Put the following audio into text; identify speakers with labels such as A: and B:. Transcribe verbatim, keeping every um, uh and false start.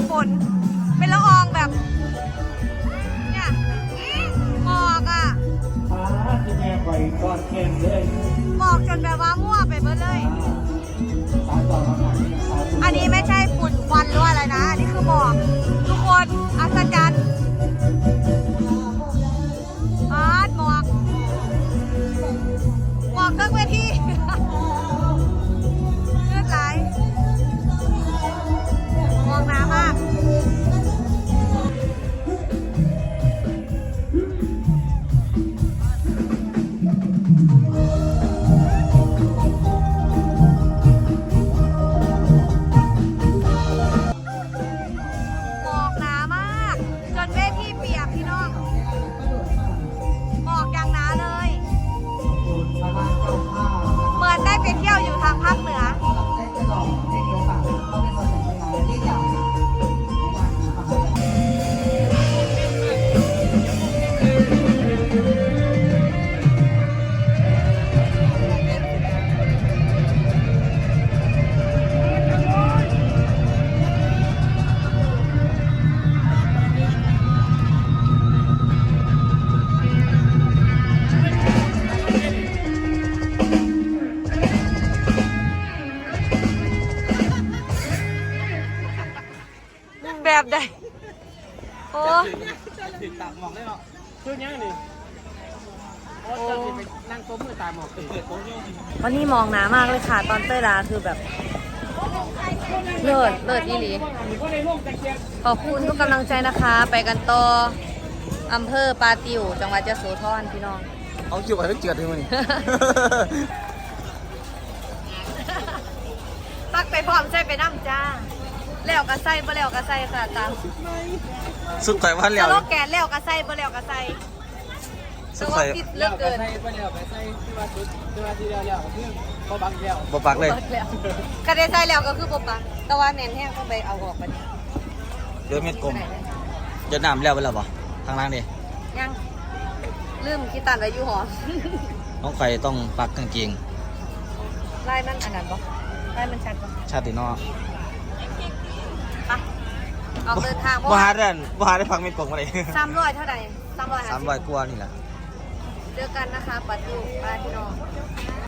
A: ฝนเป็นละอองแบบเนี่ยหมอกอ่ะหมอกจนแบบว่ามั่วไปหมดเลยอันนี้ไม่ใช่ฝุ่นควันหรืออะไรนะอันนี้คือหมอกทุกคนอัศจรรย์อาร์ตหมอกหมอกเครื่องเวทีเลือดไหลหมอกหนามากแบบใดโอ้
B: ติดตากหมอกได้เนาะคือยังนี่โอ้จะไปนั่งโต๊ะมือตาหมอกติดโต๊ะยัง
A: วันนี้มองหนามากเลยค่ะตอนเต้ยลาคือแบบเลิศเลิศอีหลีขอบคุณทุกกำลังใจนะคะ ไปกันต่ออำเภอปาติวจังหวัดยโสธรพี่น้อง
B: เอาคิวไปให้เจือดเลยมั้ย
A: ตักไปพร้อมใส่ไปน้ำจ้าแล้วกระใส่บ่แล้วกระใส่ค่ะตาม
B: สุดไก่วันแล้ว
A: แล้วแกนแล้วกระใส่บ่แล้วกระใส่สุดไก่เลิกเกิน
B: ใส่บ่แล้วไปใส่ที่ว่าสุดที่ว่าที่แล้วแล้วคือบ่บักแล้ว
A: บ่
B: บักเลย
A: กระได้ใส่แล้วก็คือบ่ปักแต่ว่าแน่นแห้งก็ไปเอาออกไป
B: เดือเม็ดกลมจะน้ำแล้วไปแล้วบ่ทางล่างดิ
A: ยังลืมคิดตันไว้อยู่หอ
B: น้องไข่ต้องปักกางเกง
A: ลายมันอันนั้นบ่ลายมันชัดบ่
B: ชาตินอ
A: ออกเดินทาง
B: บ่หาได้บ่หาได้พักเม็ดกลมมาเลย
A: สามร้อยเท่าไหร่สามร้อย
B: สามร้อยกว่านี่แหละ
A: เจอกันนะคะปัดอยู่ปลาพี่น้อง